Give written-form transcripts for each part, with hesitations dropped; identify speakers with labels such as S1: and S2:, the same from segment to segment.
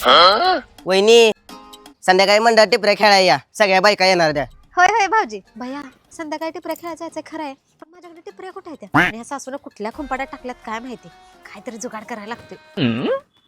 S1: वहिनी संध्याकाळी मंडळ टिपऱ्या खेळाय या, सगळ्या बायका येणार त्या.
S2: होय होय भाऊजी. भैया संध्याकाळी टिपऱ्या खेळायला जायचं खरं आहे, पण माझ्याकडे टिपऱ्या कुठे आहेत त्या? आणि ह्या सासूला कुठल्या खुंपाड्यात टाकल्यात काय माहिती. काहीतरी जुगाड करायला लागतोय.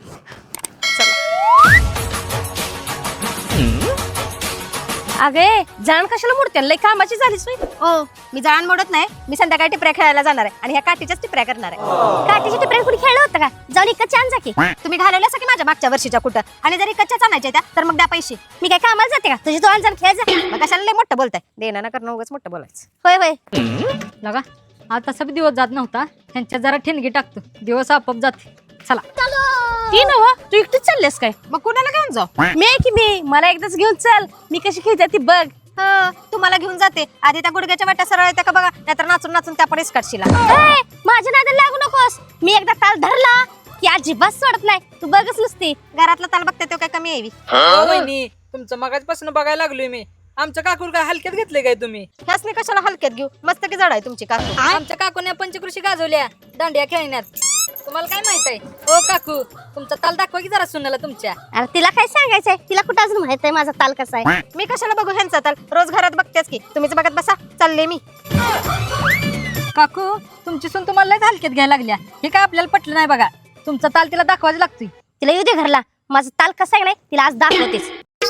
S3: अगे जाण कशाला मोडते, लय कामाची झालीस मी.
S2: ओ मी जाण मोडत नाही, मी संध्याकाळी टिपऱ्या खेळायला जाणार आहे आणि ह्या काठीच्याच टिपऱ्या करणार आहे.
S3: काठीची टिपऱ्या कुणी खेळलं होतं का? जाऊन इकडच्या आण जा की.
S2: तुम्ही घालवल्या की माझ्या मागच्या वर्षीच्या कुठं, आणि जर इकडच्याच आणायच्या त्या तर मग द्या पैसे.
S3: मी काय कामाला जाते का? तुझी तू जाण खेळ जा.
S2: मग कशाला लय मोठं बोलताय, देणं ना करणं उगाच मोठं बोलायचं.
S3: होय होय.
S4: लगा आज तसा बी दिवस जात नव्हता, ह्यांच्यात जरा ठिणगी टाकतो, दिवस आपोआप जाते. चला
S3: ती नव तू एकटीच चाललेस काय?
S2: मग कुणाला घेऊन जाऊ?
S3: मी आहे की मी, मला एकदाच घेऊन चल, मी कशी खेळते ती बघ.
S2: तुम्हाला घेऊन जाते, आधी त्या गुडघ्याच्या वाट्या सरळ येत्या का बघा, नाहीतर नाचून नाचून त्या पण काढशीला.
S3: माझ्या नादाला लागू नकोस, मी एकदा ताल धरला की अजिबात सोडत नाही. तू बघच नुसती.
S2: घरातला ताल बघते तो काय कमी यावी.
S5: वहिनी तुमचं मगाचपासून बघायला लागलोय मी. आमच्या काकूर काय हलक्यात घेतले काय तुम्ही?
S2: ह्यासनी कशाला हलक्यात घेऊ, मस्त की जड आहे तुमची काकू.
S4: आमच्या काकूने पंचकृषी गाजवल्या दांडिया खेळण्यात. तुम्हाला काय माहित आहे? ओ काकू तुमचा ताल दाखवा की जरा सुनाला तुमच्या.
S3: अरे तिला काय सांगायचंय, तिला कुठं अजून माहित आहे माझा ताल कसा आहे.
S2: मी कशाला बघू ह्यांचा ताल, रोज घरात बघतेच की. तुम्हीच बघत बसा, चालले मी.
S4: काकू तुमची सून तुम्हाला लयच हलक्यात घ्यायला लागल्या, हे काय आपल्याला पटलं नाही बघा. तुमचा ताल तिला दाखवायला लागतोय.
S3: तिला येऊ दे घरला, माझा ताल कसा आहे नाही तिला आज दाखवतेच.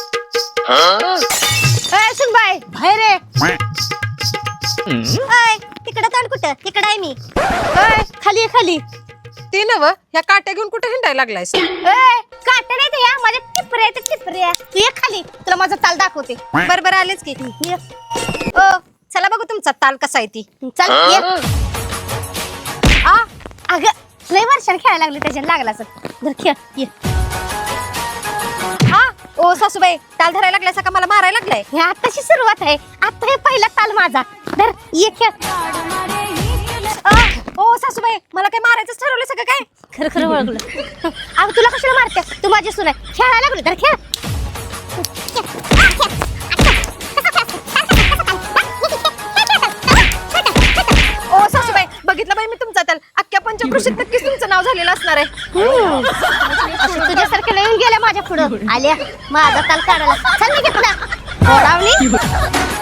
S3: सुनबाई बाहेर रे. तिकडं ताल कुठं? तिकडं आहे मी. खाली आहे खाली.
S2: ती नव ह्या काट्या घेऊन कुठे हिंडायला लागलायस?
S3: काट नाही ते, या माझ्या टिपऱ्या ते टिपऱ्या. तू ये खाली, तुला माझा ताल दाखवते.
S2: बरोबर आलेच की.
S3: ये.
S2: ओ चला बघू तुमचा ताल कसा आहे ती.
S3: चल ये. अगं लय वर्षाने खेळायला लागले, त्याच्यात लागला असं. खेळ ये.
S2: ओ सासूबाई, ताल धरायला लागलाय का मला मारायला लागलाय?
S3: हे आताची सुरुवात आहे, आता हे पहिला ताल माझा. धर ये खेळ.
S2: ओ सासूबाई, मला काय मारायचंच ठरवलं सगळं काय?
S3: खरं खरं ओळखलं. अगं तुला कशाला मारते, तू माझी सून आहे. खेळायला लागलो तर खेळ.
S2: ओ सासूबाई, बघितलं बाई मी तुमचा ताल, अख्ख्या पंचकृषीत नक्कीच तुमचं नाव झालेलं असणार आहे.
S3: तुझ्यासारख्या येऊन गेल्या माझ्या पुढं आल्या माझा ताल काढायला. चल निघे पुढं.